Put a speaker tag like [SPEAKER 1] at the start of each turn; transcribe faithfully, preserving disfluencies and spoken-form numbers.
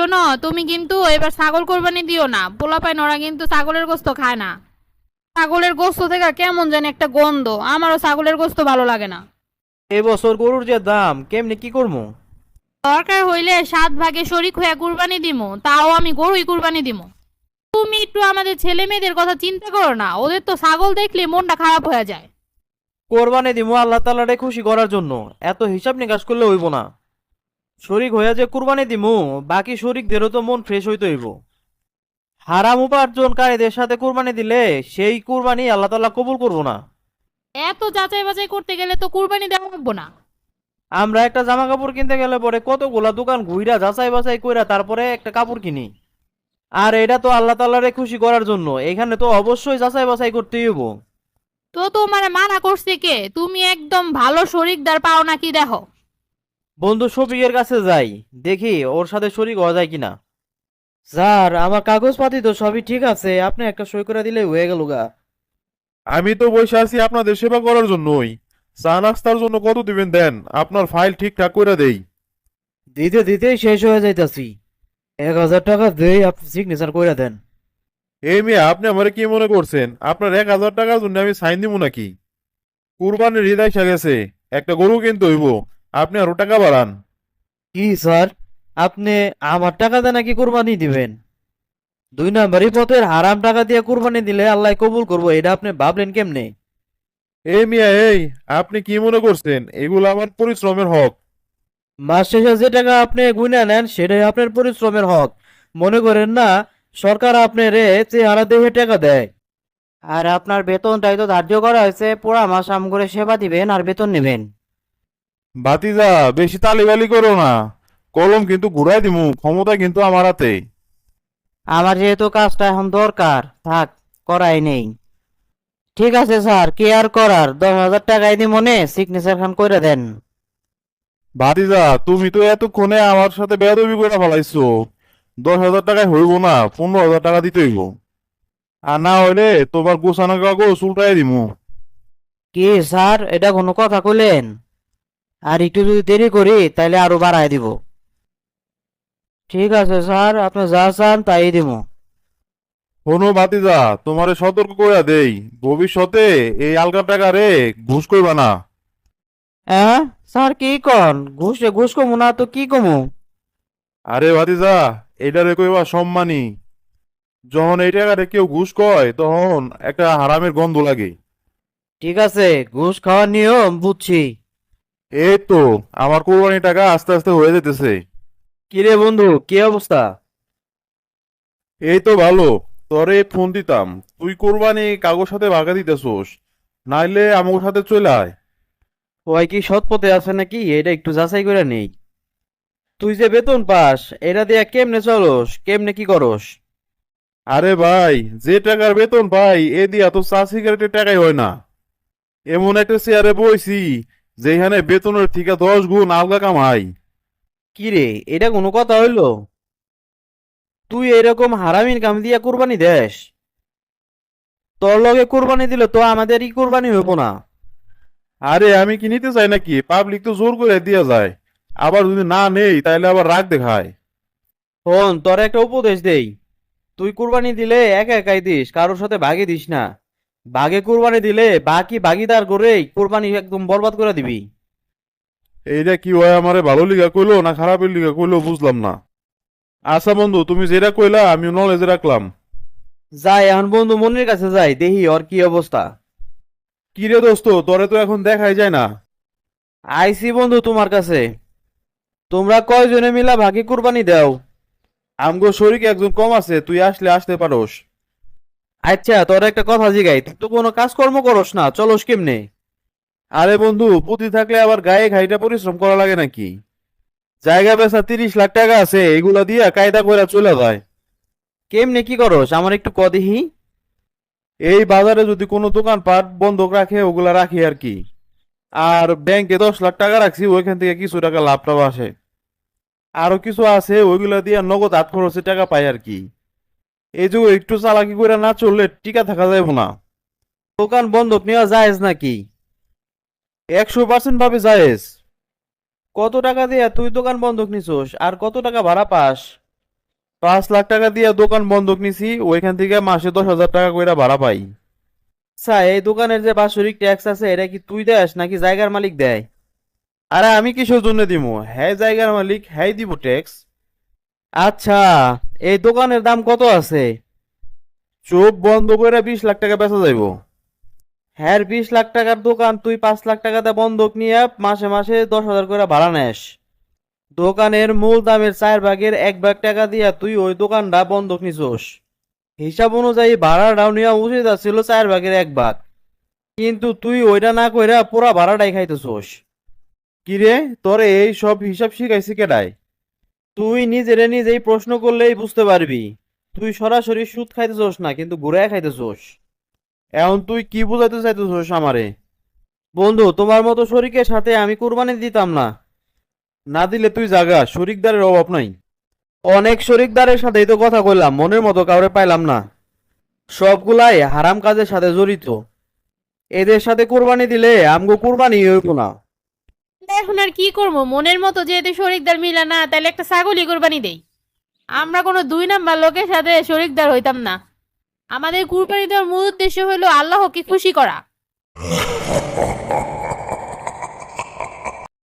[SPEAKER 1] শোনো, তুমি কিন্তু এবার ছাগল কোরবানি দিও না। পোলাপাই নরা কিন্তু ছাগলের গোস্ত খায় না। ছাগলের গোস্ত থেকে কেমন জানি একটা গন্ধ, আমারও ছাগলের গোস্ত ভালো লাগে না।
[SPEAKER 2] এবছর গরুর যে দাম কেমনে কি করবো?
[SPEAKER 1] দরকার হইলে সাত ভাগে শরিক হয়ে কুরবানি দিমু, তাও আমি গরুই কুরবানি দিমু। তুমি একটু আমাদের ছেলে মেয়েদের কথা চিন্তা করো না, ওদের তো ছাগল দেখলে মনটা খারাপ হয়ে যায়।
[SPEAKER 2] কোরবানি দিমু আল্লাহ তাআলারে খুশি করার জন্য, এত হিসাব নিকাশ করলে হইব না। শরিক হইয়া যে কুরবানি দিমু, বাকি শরিকদেরও তো মন ফ্রেশ হইতে হইব। হারাম উপার্জনকারীদের সাথে কুরবানি দিলে সেই কুরবানি আল্লাহ তাআলা কবুল করব না।
[SPEAKER 1] এত যাচাই বাছাই করতে গেলে তো কুরবানি দেওয়া লাগবো না।
[SPEAKER 2] আমরা একটা জামা কাপড় কিনতে গেলে পরে কতগুলা দোকান ঘুইরা যাচাই বাছাই কইরা তারপরে একটা কাপড় কিনি। আর এটা তো আল্লাহ তাআলারে খুশি করার জন্য, এখানে তো অবশ্যই যাচাই বাছাই করতেই হইব।
[SPEAKER 1] তো তোমার মানা করছে কে? তুমি একদম ভালো শরিকদার পাও নাকি দেখো।
[SPEAKER 2] বন্ধু শফিকের কাছে যাই, দেখি ওর সাথে শরিক হওয়া যায় কিনা। স্যার, আমার কাগজপাতি তো সবই ঠিক আছে, আপনি একটা সই করে দিলে হয়ে গেল গা।
[SPEAKER 3] আমি তো বসে আছি আপনাদের সেবা করার জন্যই। চা নাস্তার জন্য কত দিবেন দেন, আপনার ফাইল ঠিকঠাক করে দেই।
[SPEAKER 2] দিতে দিতেই শেষ হয়ে যাইতাছি। এক হাজার টাকা দেই, আপনি সিগনেচার করে দেন।
[SPEAKER 3] এই মেয়ে, আপনি আমারে কি মনে করছেন আপনার এক হাজার টাকার জন্য আমি সাইন দিব নাকি? কুরবানির ঈদ আইসা গেছে, একটা গরু কিনতে হইব, আপনি আরো টাকা বাড়ান।
[SPEAKER 2] কি স্যার, আপনি আমার টাকা দিয়ে নাকি কোরবানি দিবেন? দুই নাম্বারই পথের হারাম টাকা দিয়ে কোরবানি দিলে আল্লাহ কবুল করবো, এটা আপনি ভাবলেন কেমনে?
[SPEAKER 3] এই মিয়া এই, আপনি কি মনে করছেন এগুলো আমার পরিশ্রমের হক?
[SPEAKER 2] মাস শেষে যে টাকা আপনি গুনে নেন সেটাই আপনার পরিশ্রমের হক। মনে করেন না সরকার আপনার চেহারা দেখে টাকা দেয়। আর আপনার বেতনটাই তো ধার্য করা হয়েছে, পুরা মাস আম করে সেবা দিবেন আর বেতন নেবেন।
[SPEAKER 3] বাতিজা, বেশি তালিবালি করো না, কলম কিন্তু ঘুরাই দিমু, ক্ষমতা কিন্তু আমার হাতে।
[SPEAKER 2] আমার যেহেতু কাজটা এখন দরকার, থাক, করাই নেই। ঠিক আছে স্যার, কি আর করার, দশ হাজার টাকাই দি মনে সিগনেচার খান করে দেন।
[SPEAKER 3] ভাতিজা, তুমি তো এতক্ষণে আমার সাথে বেয়াদবি করে ফেলাইছো। দশ হাজার টাকায় হইব না, পনেরো হাজার টাকা দিতে হইব। আর না হইলে তোমার গোছানো কাগজ উল্টাই দিমু।
[SPEAKER 2] কি স্যার, এটা কোনো কথা কইলেন? আর একটু যদি দেরি করি তাহলে আরো বাড়ায় দিব। ঠিক আছে স্যার, আপনি যা চান তাই দিব।
[SPEAKER 3] শোনো ভাতিজা, তোমারে সতর্ক কইরা দেই, ভবিষ্যতে এই আলগা টাকা রে ঘুষ কইবা না।
[SPEAKER 2] হ্যাঁ স্যার, কি কন? ঘুষে ঘুষ কমু না তো কি কমু?
[SPEAKER 3] আরে ভাতিজা, এইটারে কইবা সম্মানী। যখন এই টাকারে কেউ ঘুষ কয় তখন একটা হারামের গন্ধ লাগে।
[SPEAKER 2] ঠিক আছে, ঘুষ খাওয়ার নিয়ম বুঝছি।
[SPEAKER 3] এই তো, আমার কোরবানি টাকা আস্তে আস্তে হয়ে যেতেছে।
[SPEAKER 2] কিরে বন্ধু, কি অবস্থা?
[SPEAKER 3] এই তো ভালো। তোরে ফোন দিতাম, তুই কোরবানি কাগজ সাথে ভাগা দিতেছোস, নাইলে আমার সাথে চলে আয়।
[SPEAKER 2] ওই কি সৎ পথে আছে নাকি, এটা একটু যাচাই করে নেই। তুই যে বেতন পাস, এটা দিয়ে কেমনে চলস, কেমনে কি করস?
[SPEAKER 3] আরে ভাই, যে টাকার বেতন পাই এ দিয়া তো চা সিগারেটের টাকাই হয় না। এমন একটা চেয়ারে বইছি যেখানে বেতনের থেকে দশ গুণ আলগা কামাই।
[SPEAKER 2] কিরে, এটা কোনো কথা হইলো? তুই এরকম হারামির কাম দিয়া কুরবানি দেস? তোর লগে কুরবানি দিলে তো আমাদের ই কুরবানি হইব না।
[SPEAKER 3] আরে আমি কি নিতে চাই নাকি? পাবলিক তো জোর করে দিয়া যায়, আবার যদি না নেই তাহলে আবার রাগ দেখায়।
[SPEAKER 2] শোন, তোর একটা উপদেশ দেই। তুই কুরবানি দিলে একা একাই দিস, কারোর সাথে ভাগে দিস না। ভাগে কুরবানি দিলে বাকি ভাগিদার করেই কুরবানি একদম বরবাদ করে দিবি।
[SPEAKER 3] এইটা কি হয়, আমারে ভালো লিগা কইলো না খারাপের লিগা কইলো বুঝলাম না। আচ্ছা বন্ধু, তুমি যেটা কইলা আমি নলেজে রাখলাম।
[SPEAKER 2] যাই এখন বন্ধু মনির কাছে যাই, দেখি ওর কি অবস্থা।
[SPEAKER 3] কি রে দোস্ত, তোরে তো এখন দেখাই যায় না।
[SPEAKER 2] আইসি বন্ধু তোমার কাছে। তোমরা কয়জনে মিলা ভাগে কুরবানি দাও?
[SPEAKER 3] আমগো শরীকে একজন কম আছে, তুই আসলে আসতে পারোস।
[SPEAKER 2] আচ্ছা, তোর একটা কথা জিগাই, তুই তো কোনো কাজকর্ম করস না, চলস কেমনে?
[SPEAKER 3] আরে বন্ধু, পুঁতি থাকলে আবার গায়ে খাইটা পরিশ্রম করা লাগে নাকি? জায়গা বেচা তিরিশ লাখ টাকা আছে, এগুলা দিয়া কায়দা কইরা চলে যায়।
[SPEAKER 2] কেমনে কি করস, আমার একটু ক দেখি।
[SPEAKER 3] এই বাজারে যদি কোনো দোকানপাট বন্ধক রাখে ওগুলা রাখি আর কি। আর ব্যাংকে দশ লাখ টাকা রাখছি, ওইখান থেকে কিছু টাকা লাভ টাভ আসে। আরো কিছু আছে ওইগুলা দিয়ে নগদ হাত খরচে টাকা পাই আর কি। এই যে একটু চালাকি করে না চললে টিকা থাকা যাবে না।
[SPEAKER 2] দোকান বন্ধক নেওয়া জায়েজ নাকি?
[SPEAKER 3] একশো পার্সেন্ট ভাবে জায়েজ।
[SPEAKER 2] কত টাকা দিয়ে তুই দোকান বন্ধক নিছস আর কত টাকা ভাড়া পাস?
[SPEAKER 3] পাঁচ লাখ টাকা দিয়ে দোকান বন্ধক নিছি, ওইখান থেকে মাসে দশ হাজার টাকা কইরা ভাড়া পাই।
[SPEAKER 2] আচ্ছা, এই দোকানের যে বাৎসরিক ট্যাক্স আছে এটা কি তুই দেস নাকি জায়গার মালিক দেয়?
[SPEAKER 3] আরে আমি কিসের জন্য দিমু? হ্যাঁ জায়গার মালিক, হ্যাঁ দিব ট্যাক্স।
[SPEAKER 2] আচ্ছা, এই দোকানের দাম কত আছে?
[SPEAKER 3] চোখ বন্ধ করে বিশ লাখ টাকা বেচা যাইবো।
[SPEAKER 2] হ্যাঁ, বিশ লাখ টাকার দোকান তুই পাঁচ লাখ টাকাতে বন্ধক নিয়ে মাসে মাসে দশ হাজার করে ভাড়া নেস। দোকানের মূল দামের চার ভাগের এক ভাগ টাকা দিয়া তুই ওই দোকানটা বন্ধক নিছোস। হিসাব অনুযায়ী ভাড়াটাও নেওয়া উচিত ছিল চার ভাগের এক ভাগ, কিন্তু তুই ওইটা না কইরা পুরা ভাড়াটাই খাইতেছোস।
[SPEAKER 3] কিরে, তোরে এই সব হিসাব শিখাইছি কেডায়?
[SPEAKER 2] তুই নিজেরে নিজেই প্রশ্ন করলেই বুঝতে পারবি। তুই সরাসরি সুদ খাইতেছোস না, কিন্তু ঘুরায় খাইতেছোস।
[SPEAKER 3] এখন তুই কি বুঝাইতে চাইতেছিস আমারে?
[SPEAKER 2] বন্ধু, তোমার মতো শরীকের সাথে আমি কুরবানি দিতাম না।
[SPEAKER 3] না দিলে তুই জাগা, শরিকদারের অভাব নাই।
[SPEAKER 2] অনেক শরিকদারের সাথেই তো কথা কইলাম, মনের মতো কাউরে পাইলাম না। সবগুলাই হারাম কাজের সাথে জড়িত। এদের সাথে কুরবানি দিলে আমগো কুরবানি হইব না।
[SPEAKER 1] এখন আর কি করবো, মনের মতো যেহেতু শরিকদার মিলা না, তাহলে একটা ছাগলই কোরবানি দেই। আমরা কোনো দুই নাম্বার লোকের সাথে শরিকদার হইতাম না। আমাদের কুরবানি দেওয়ার মূল উদ্দেশ্য হলো আল্লাহকে খুশি করা।